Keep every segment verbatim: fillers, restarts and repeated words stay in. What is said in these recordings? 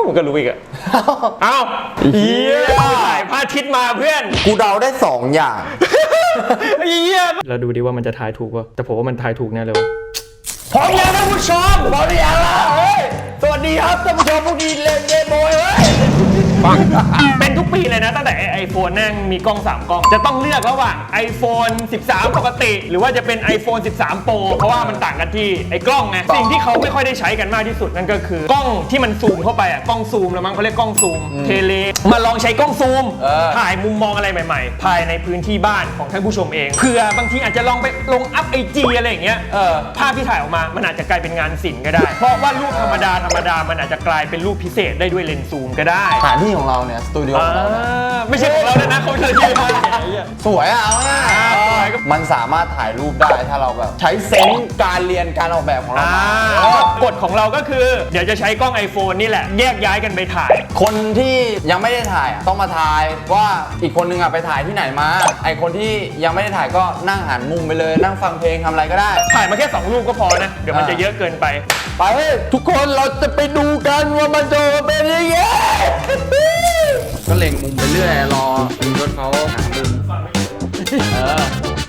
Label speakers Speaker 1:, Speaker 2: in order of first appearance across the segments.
Speaker 1: มึงก็รู้อีกอะเอ้าเฮียถ่ายพระอาทิตย์มาเพื่อน
Speaker 2: กูเดาได้สองอย่าง
Speaker 1: เฮียเราดูดิว่ามันจะทายถูกป่ะแต่ผมว่ามันทายถูกแน่เลยวะพร้อมแล้วท่านผู้ชมพร้อมหรือยังล่ะเฮ้ยสวัสดีครับท่านผู้ชมพวกนี้เล่นเกมโบยเฮ้ยเป็นทุกปีเลยนะตั้งแต่ไอโฟนนั่งมีกล้องสามกล้องจะต้องเลือกระหว่าง iPhone สิบสาม ปกติหรือว่าจะเป็น iPhone สิบสาม Pro เพราะว่ามันต่างกันที่ไอ้กล้องไงสิ่งที่เขาไม่ค่อยได้ใช้กันมากที่สุดนั่นก็คือกล้องที่มันซูมเข้าไปอ่ะกล้องซูมแล้วมั้งเขาเรียกกล้องซูมเทเลมาลองใช้กล้องซูมถ่ายมุมมองอะไรใหม่ๆภายในพื้นที่บ้านของท่านผู้ชมเองเผื่อบางทีอาจจะลองไปลงอัพไอจีอะไรอย่างเงี้ยภาพที่ถ่ายออกมามันอาจจะกลายเป็นงานศิลป์ก็ได้เพราะว่ารูปธรรมดาธรรมดามันอาจจะกลายเป็นรูปพิเศษได้ด้วยเลนส์ซูมก็ได้
Speaker 2: สถานที่ของเราเนี่ยสตูดิโอของเรา
Speaker 1: ไม่ใช่ของเราเลยนะเขาเธอที่มา
Speaker 2: สวยอ่ะเอาง่ายมันสามารถถ่ายรูปได้ถ้าเราแบบใช้เซนส์การเรียนการออกแบบของเรา
Speaker 1: กฎของเราก็คือเดี๋ยวจะใช้กล้อง iPhone นี่แหละแยกย้ายกันไปถ่าย
Speaker 2: คนที่ยังไม่ได้ถ่ายต้องมาถ่ายว่าอีกคนนึงอ่ะไปถ่ายที่ไหนมาไอคนที่ยังไม่ได้ถ่ายก็นั่งหันมุมไปเลยนั่งฟังเพลงทำอะไรก็ได้
Speaker 1: ถ่ายมาแค่สองรูปก็พอนะเดี๋ยวมันจะเยอะเกินไป
Speaker 2: ไปทุกคนเราจะไปดูกันว่ามันจะเป็นยังไงก็เล็งมุมไปเรื่อยรอรถเขาหามุมเออ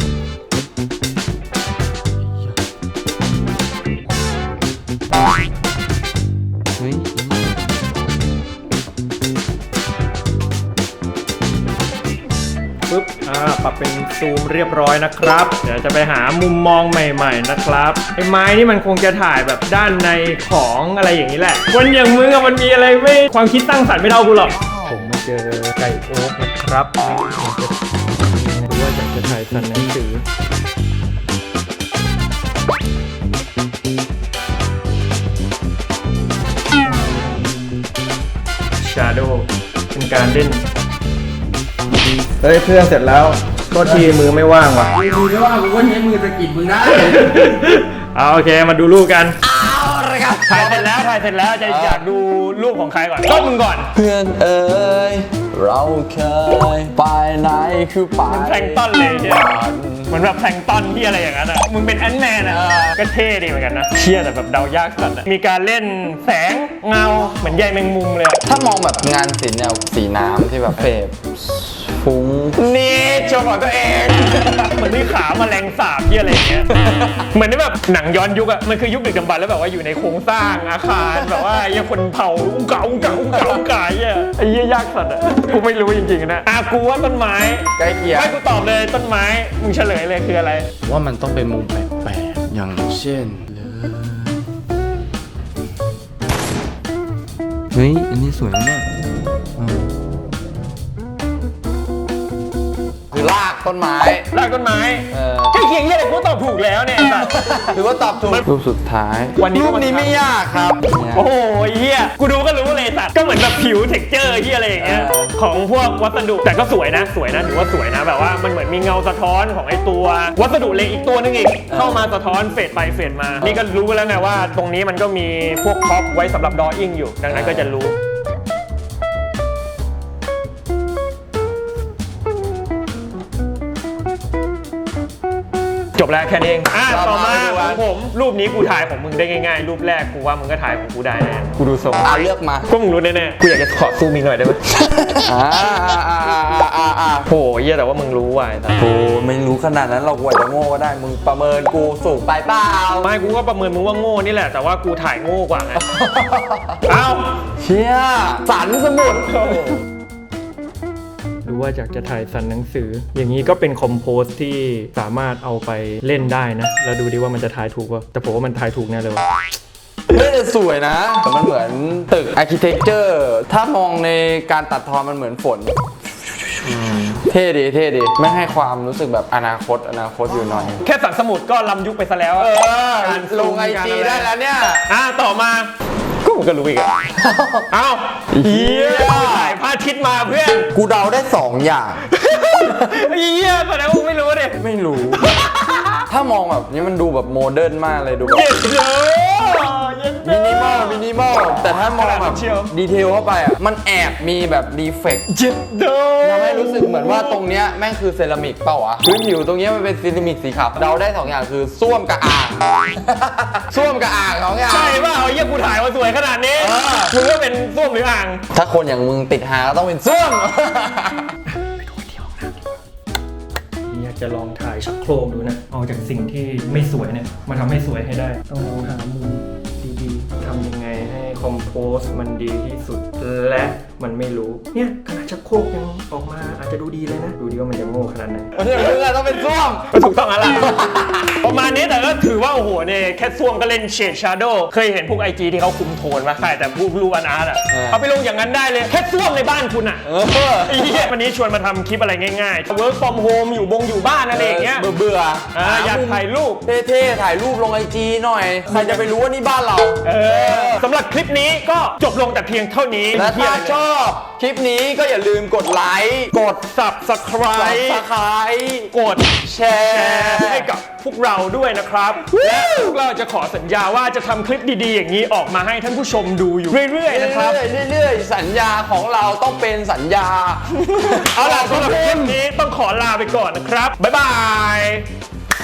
Speaker 2: เฮ้ย
Speaker 1: ปึ๊บอ่าปรับเป็นซูมเรียบร้อยนะครับเดี๋ยวจะไปหามุมมองใหม่ๆนะครับไอ้ไม้นี่มันคงจะถ่ายแบบด้านในของอะไรอย่างนี้แหละคนอย่างมึงอะมันมีอะไรไม่ความคิดสร้างสรรค์ไม่เท่ากูหรอกผมมาเจอไก่โอ๊กนะครับหรือว่าอยากจะถ่ายสันหนังสือShadow เป็นการเล่นเฮ้ยเครื่องเสร็จแล้วก็ทีมือไม่ว่างว่ะ
Speaker 2: มือไม่ว่างกูก็ใช้มือสะกิดมึงได้
Speaker 1: เอาโอเคมาดูรูปกันเอาเลยครับถ่ายเสร็จแล้วถ่ายเสร็จแล้วจะอยากดูรูปของใครก่อนก็มึงก่อน
Speaker 2: เพื่อนเอ๋ยเราเคยไปไหนคือไป
Speaker 1: มันแพลงต้นเลยใช่ไหมเหมือนแบบแพลงต้นที่อะไรอย่างนั้นอ่ะมึงเป็นแอนด์แมนอ่ะก็เท่ดีเหมือนกันนะเชี่ยแต่แบบเดายากสัสมีการเล่นแสงเงาเหมือนใยแมงมุมเลย
Speaker 2: ถ้ามองแบบงานศิลป์แนวสีน้ำที่แบบเฟบฟุ้ง
Speaker 1: นี่โชว์ของตัวเองเหมือนมีขาแมลงสาบที่อะไรอย่างเงี้ยเหมือนที่แบบหนังย้อนยุคอะมันคือยุคดึกดำบรรพ์แล้วแบบว่าอยู่ในโครงสร้างอาคารแบบว่ายังคนเผาอุ้งเก่าอุ้งเก่าอุ้งเก่าอุ้งเก่าอ่ะไอ้เหี้ยยากสัตว์อะกูไม่รู้จริงๆนะอ่ะกูว่าต้นไม้
Speaker 2: ใกล้เคียง
Speaker 1: ให้กูตอบเลยต้นไม้มึงเฉลยเลยคืออะไร
Speaker 2: ว่ามันต้องเป็นมุมแปลกๆอย่างเช่นเฮ้ยอันนี้สวยมากคือรากต้นไม้
Speaker 1: รากต้นไม้ใช่เคียงเหี้ยอะไรกูตอบถูกแล้วเนี่ย
Speaker 2: ถือว่าตอบถูกรูปสุดท้าย
Speaker 1: วันนี้
Speaker 2: รูปนี้ไม่ยากครับ
Speaker 1: โอ้โหเหี้ยกูดูก็รู้เลยสัตว์ก็เหมือนแบบผิวเท็กเจอร์เหี้ยอะไรอย่างเงี้ยของพวกวัสดุแต่ก็สวยนะสวยนะถือว่าสวยนะแบบว่ามันเหมือนมีเงาสะท้อนของไอ้ตัววัสดุเหล็กอีกตัวนึงอีกเข้ามาสะท้อนเฟดไปเฟดมานี่ก็รู้แล้วไงว่าตรงนี้มันก็มีพวกท็อปไว้สำหรับดออิ่งอยู่ดังนั้นก็จะรู้จบแล้วแค่นี้เองอ่ะต่อมาของผมรูปนี้กูถ่ายของมึงได้ง่ายๆรูปแรกกูว่ามึงก็ถ่ายของกูได้แน่กูดูทรง
Speaker 2: อ่ะเลือกมา
Speaker 1: ก็มึงรู้แน่ๆกูอยากจะขอซูมอีกหน่อยได้ไหมอ่าอ่าอ่าอ่าอ่าโหเยี่ยแต่ว่ามึงรู้ว่ะ
Speaker 2: โอ้ไม่รู้ขนาดนั้นเรากว่าจะโง่ก็ได้มึงประเมินกูสูงไปเปล่า
Speaker 1: ไม่กูก็ประเมินมึงว่าโง่นี่แหละแต่ว่ากูถ่ายโง่กว่าไงเอ้า
Speaker 2: เชี่ยสันสมุด
Speaker 1: หรือว่าอยากจะถ่ายสันหนังสืออย่างนี้ก็เป็นคอมโพสที่สามารถเอาไปเล่นได้นะแล้วดูดิว่ามันจะถ่ายถูกป่ะแต่ผมว่ามันถ่ายถูกแน่เลยวะ
Speaker 2: ไม่ได้สวยนะแต่มันเหมือนตึกอาร์คิเทคเจอร์ถ้ามองในการตัดทอนมันเหมือนฝนเท่ดีเท่ดีไม่ให้ความรู้สึกแบบอนาคตอนาคตอยู่หน่อย
Speaker 1: แค่สันสมุดก็ล้ำยุคไปซะแล้วเอ
Speaker 2: อลงไอจีได้แล้วเนี่ย
Speaker 1: อ่ะต่อมาก็มึงก็รู้อีกอ่ะเอ้าเฮียถ่ายพระอาทิตย์มาเพื่อน
Speaker 2: กูเดาได้สองอย่าง
Speaker 1: เฮียแสดงว่ามึงไม่รู้ดิ
Speaker 2: ไม่รู้ถ้ามองแบบนี้มันดูแบบโมเดิร์นมากเลยดูแบบ
Speaker 1: เย็นเยอะ
Speaker 2: มินิมอลมินิมอลแต่ถ้ามองแบบ
Speaker 1: เชียว
Speaker 2: ดีเทลเข้าไปอ่ะมันแอบมีแบบดีเฟกต์
Speaker 1: เจ็ดโด
Speaker 2: ทำให้รู้สึกเหมือนว่าตรงเนี้ยแม่งคือเซรามิกเปล่าวะพื้นผิวตรงเนี้ยมันเป็นเซรามิกสีขาวเราได้สองอย่างคือส้วมกับอ่าง ส้วมกับอ่างสองอย่าง
Speaker 1: ใช่ป่ะเอาเยี่ยกูถ่ายมาสวยขนาดนี้
Speaker 2: เออ
Speaker 1: มึงว่าเป็นส้วมหรืออ่าง
Speaker 2: ถ้าคนอย่างมึงติดหาก็ต้องเป็นส้วม
Speaker 1: อยากจะลองถ่ายชักโครกดูนะ เอาจากสิ่งที่ไม่สวยเนี่ยมาทำให้สวยให้ได้ ต้องมองหามุมดีๆทำยังไงให้คอมโพสมันดีที่สุดและมันไม่รู้ เนี่ยขนาดชักโครกยังออกมาอาจจะดูดีเลยนะ ดูดีว่ามันจะโง่ขนาดไหน
Speaker 2: คนอย่างมึงอะต้องเป็นส้วม
Speaker 1: ก็ถูกต้องแล้วล่ะ ประมาณนี้แต่ก็ถือว่าโอ้โหเนี่ยแค่ส้วมก็เล่นเฉดชาร์โดเคยเห็นพวกไอจีที่เขาคุมโทนไหมใช่แต่พวกรูปอาร์ตอ่ะ
Speaker 2: เออ
Speaker 1: เอาไปลงอย่างนั้นได้เลยแค่ส้วมในบ้านคุณอ่ะ
Speaker 2: เออ
Speaker 1: ไอ้เหี้ยวันนี้ชวนมาทำคลิปอะไรง่ายๆ work from home อยู่บงอยู่บ้านอะไรอย่างเงี้ย
Speaker 2: เบื่อเบื่อ
Speaker 1: อ่าอยากถ่ายรูป
Speaker 2: เท่ๆถ่ายรูปลงไอจีหน่อย ใครจะไปรู้ว่านี่บ้านเรา
Speaker 1: เออสำหรับคลิปนี้ก็จบลงแต่เพียงเท่านี้
Speaker 2: และถ้าชอบคลิปนี้ก็อย่าลืมกดไลค์กด
Speaker 1: subscribe
Speaker 2: subscribe
Speaker 1: กด
Speaker 2: แช
Speaker 1: แช
Speaker 2: ร์
Speaker 1: ร์ให้กับพวกเราด้วยนะครับและพวกเราจะขอสัญญาว่าจะทำคลิปดีๆ อย่างนี้ออกมาให้ท่านผู้ชมดูอยู่เรื่อยๆนะครับ
Speaker 2: เรื่อยๆเรื่อยๆสัญญาของเราต้องเป็นสัญญา
Speaker 1: เอาล่ะสำหรับคลิปนี้ต้องขอลาไปก่อนนะครับ บ๊ายบาย